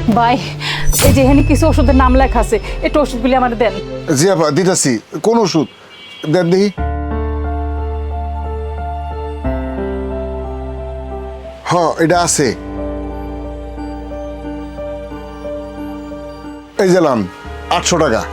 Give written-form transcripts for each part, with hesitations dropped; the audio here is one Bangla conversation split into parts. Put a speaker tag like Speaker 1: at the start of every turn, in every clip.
Speaker 1: ভাই এই যে এখানে কিছু ওষুধের নাম লেখা আছে, একটু ওষুধগুলি আমার দেন।
Speaker 2: জি আপা দিতেছি। কোন ওষুধ দেন দেখি। এটা আছে, এই গেলাম 800 টাকা।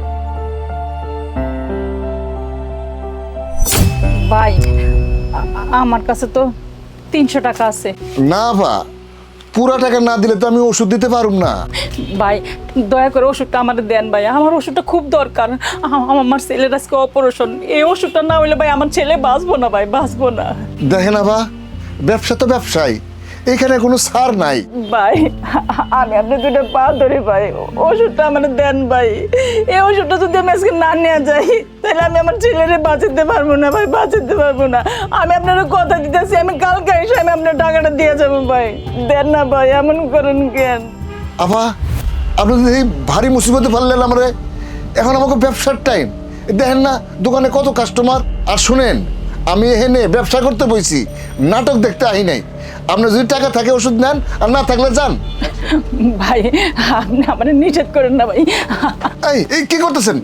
Speaker 1: ভাই আমার কাছে তো 300 টাকা আছে।
Speaker 2: না আপা, পুরা টাকা না দিলে তো আমি ওষুধ দিতে পারুম না।
Speaker 1: ভাই দয়া করে ওষুধটা আমার দেন ভাই, আমার ওষুধটা খুব দরকার। আমার ছেলের আজকে অপারেশন, এই ওষুধটা না হইলে ভাই আমার ছেলে বাঁচবো না ভাই, বাঁচবো না।
Speaker 2: দেখেন আপা, ব্যবসা তো ব্যবসায়ী, এখানে কোনো ছাড় নাই।
Speaker 1: ভাই আমি আপনার দুটো পা ধরি ভাই, ওষুধটা আমার দেন ভাই। এই ওষুধটা যদি আমি আজকে না নিয়ে যাই তাহলে আমি আমার ছেলেরে বাঁচাতে পারবো না ভাই, বাঁচাতে পারবো না। আমি আপনার কথা দিতেছি, আমি কালকে এসে আমি আপনার টাকাটা দিয়ে যাবো ভাই। দেন না ভাই, এমন করেন কেন?
Speaker 2: আপা আপনি যদি এই ভারী মুসিবতে পারলেন আমারে, এখন আমাকে ব্যবসার টাইম। দেখেন না দোকানে কত কাস্টমার। আর শুনেন, আমি এখানে ব্যবসা করতে বইছি, নাটক দেখতে আহি নাই। আপনার যদি টাকা থাকে ওষুধ নেন, আর না থাকলে যান।
Speaker 1: ভাই আপনি আমার নিষেধ করেন না ভাই।
Speaker 2: এই কি করতেছেন?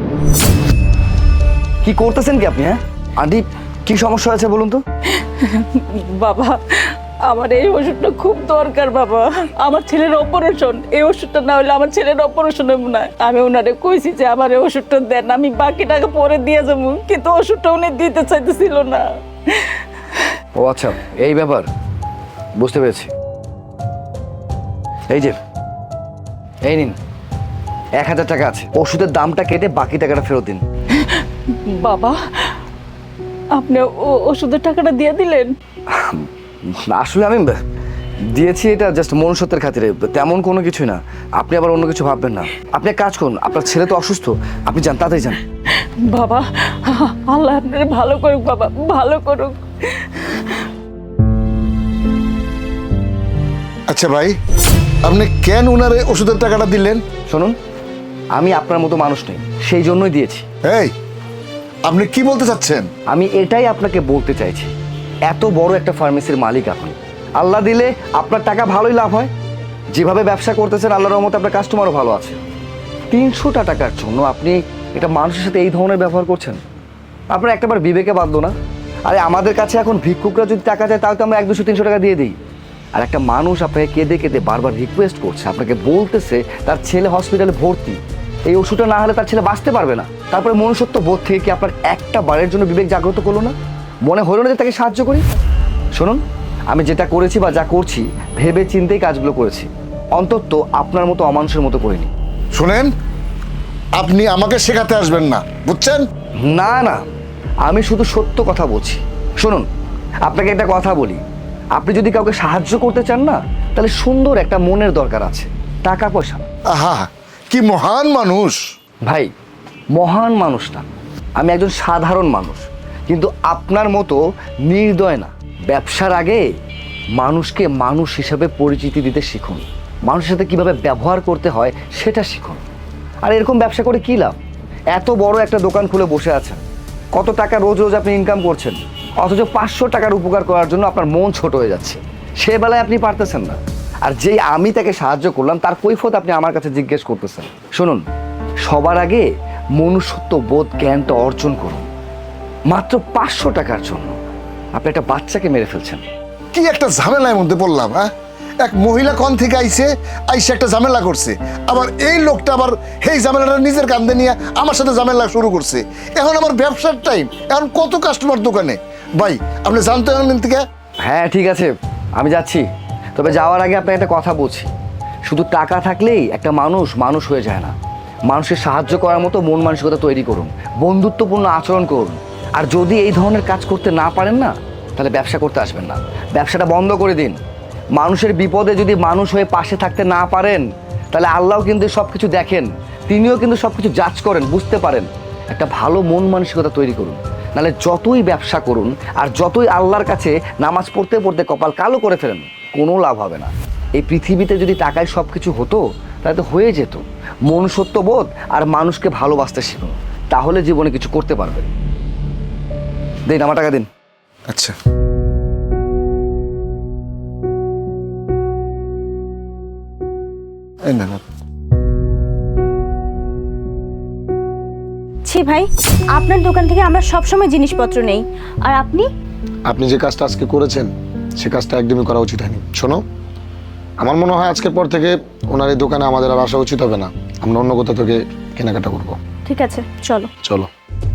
Speaker 3: কি করতেছেন কি আপনি? হ্যাঁ আন্টি, কি সমস্যা হয়েছে বলুন তো?
Speaker 1: বাবা আমার এই ওষুধটা খুব দরকার বাবা, আমার ছেলের অপারেশন, এই ওষুধটা না হলে আমার ছেলের অপারেশন হবে না। আমি ওনারে কইছি যে আমার এই ওষুধটা দেন, আমি বাকি টাকা পরে দিয়ে যাবো, কিন্তু ওষুধটা উনি দিতে চাইতেছিল না।
Speaker 3: ও আচ্ছা, এই ব্যাপার, বুঝতে পেরেছি। এই যে এই নিন 1000 টাকা আছে, ওষুধের দামটা কেটে বাকি টাকাটা ফেরত দিন।
Speaker 1: বাবা আপনি ওষুধের টাকাটা দিয়ে দিলেন?
Speaker 3: আসলে আমি দিয়েছি এটা জাস্ট মনুষ্যত্বের খাতিরে, তেমন কোনো কিছুই না। আপনি আবার অন্য কিছু ভাববেন না। আপনি এক কাজ করুন, আপনার ছেলে তো অসুস্থ, আপনি যান, তাড়াতাড়ি যান।
Speaker 1: বাবা আল্লাহ আপনার ভালো করুক বাবা, ভালো করুক।
Speaker 2: আচ্ছা ভাই, আপনি কেন ওনারে ওষুধের টাকাটা দিলেন?
Speaker 3: শুনুন, আমি আপনার মতো মানুষ নই, সেই জন্যই দিয়েছি।
Speaker 2: এই আপনি কি বলতে চাচ্ছেন?
Speaker 3: আমি এটাই আপনাকে বলতে চাইছি, এত বড় একটা ফার্মেসির মালিক আপনি, আল্লাহ দিলে আপনার টাকা ভালোই লাভ হয়। যেভাবে ব্যবসা করতেছেন আল্লাহর রহমতে আপনার কাস্টমারও ভালো আছে। 300 টাকার জন্য আপনি এটা মানুষের সাথে এই ধরনের ব্যবহার করছেন, আপনার একটাবার বিবেকে বাঁধলো না? আরে আমাদের কাছে এখন ভিক্ষুকরা যদি টাকা চায় তাও তো আমরা 100-200-300 টাকা দিয়ে দিই। আর একটা মানুষ আপনাকে কেঁদে কেঁদে বারবার রিকোয়েস্ট করছে, আপনাকে বলতেছে তার ছেলে হসপিটালে ভর্তি, এই ওষুধটা না হলে তার ছেলে বাঁচতে পারবে না। তারপরে মনুষ্যত্ব বোধ থেকে কি আপনার একটা বারের জন্য বিবেক জাগ্রত করলো না? মনে হলো না যে তাকে সাহায্য করি? শুনুন, আমি যেটা করেছি বা যা করছি ভেবে চিন্তেই কাজগুলো করেছি, অন্তত আপনার মতো অমানুষের মতো করিনি।
Speaker 2: শুনেন, আপনি আমাকে শেখাতে আসবেন না, বুঝছেন?
Speaker 3: না না, আমি শুধু সত্য কথা বলছি। শুনুন, আপনাকে একটা কথা বলি, আপনি যদি কাউকে সাহায্য করতে চান না, তাহলে সুন্দর একটা মনের দরকার আছে, টাকা পয়সা।
Speaker 2: আহা কি মহান মানুষ!
Speaker 3: ভাই মহান মানুষ না, আমি একজন সাধারণ মানুষ, কিন্তু আপনার মতো নির্দয় না। ব্যবসার আগে মানুষকে মানুষ হিসাবে পরিচিতি দিতে শিখুন, মানুষের সাথে কীভাবে ব্যবহার করতে হয় সেটা শিখুন। আর এরকম ব্যবসা করে কী লাভ? এত বড় একটা দোকান খুলে বসে আছেন, কত টাকা রোজ রোজ আপনি ইনকাম করছেন, অথচ 500 টাকার উপকার করার জন্য আপনার মন ছোট হয়ে যাচ্ছে, সে বেলায় আপনি পারতেছেন না। আর যেই আমি তাকে সাহায্য করলাম তার কৈফিয়ত আপনি আমার কাছে জিজ্ঞেস করতেছেন। শুনুন, সবার আগে মনুষ্যত্ব বোধ জ্ঞানটা অর্জন করুন। মাত্র 500 টাকার জন্য আপনি একটা বাচ্চাকে মেরে ফেলছেন।
Speaker 2: কি একটা ঝামেলার মধ্যে পড়লাম। হ্যাঁ, এক মহিলা কোন থেকে আইসে একটা ঝামেলা করছে, আবার এই লোকটা আবার এই ঝামেলাটা নিজের কান্দে নিয়ে আমার সাথে ঝামেলা শুরু করছে। এখন আমার ব্যবসার টাইম, এখন কত কাস্টমার দোকানে। ভাই আপনি জানতে হলেন থেকে।
Speaker 3: হ্যাঁ ঠিক আছে, আমি যাচ্ছি, তবে যাওয়ার আগে আপনাকে একটা কথা বলছি, শুধু টাকা থাকলেই একটা মানুষ মানুষ হয়ে যায় না। মানুষের সাহায্য করার মতো মন মানসিকতা তৈরি করুন, বন্ধুত্বপূর্ণ আচরণ করুন। আর যদি এই ধরনের কাজ করতে না পারেন না, তাহলে ব্যবসা করতে আসবেন না, ব্যবসাটা বন্ধ করে দিন। মানুষের বিপদে যদি মানুষ হয়ে পাশে থাকতে না পারেন, তাহলে আল্লাহও কিন্তু সব কিছু দেখেন, তিনিও কিন্তু সব কিছু জাজ করেন, বুঝতে পারেন। একটা ভালো মন মানসিকতা তৈরি করুন, নাহলে যতই ব্যবসা করুন আর যতই আল্লাহর কাছে নামাজ পড়তে পড়তে কপাল কালো করে ফেলেন, কোনো লাভ হবে না। এই পৃথিবীতে যদি টাকায় সব কিছু হতো তাহলে তো হয়ে যেত। মনুষ্যত্ববোধ আর মানুষকে ভালোবাসতে শিখুন, তাহলে জীবনে কিছু করতে পারবেন। দিন, আমার টাকা দিন।
Speaker 2: আচ্ছা এই না
Speaker 4: ছি ভাই, আপনার দোকান থেকে আমরা সবসময় জিনিসপত্র নেই, আর আপনি
Speaker 5: আপনি যে কাজটা আজকে করেছেন সে কাজটা একদমই করা উচিত হয়নি। শোনো, আমার মনে হয় আজকের পর থেকে ওনার এই দোকানে আমাদের আর আসা উচিত হবে না। আমরা অন্য কোথাও থেকে কেনাকাটা করবো।
Speaker 4: ঠিক আছে, চলো।
Speaker 5: চলো।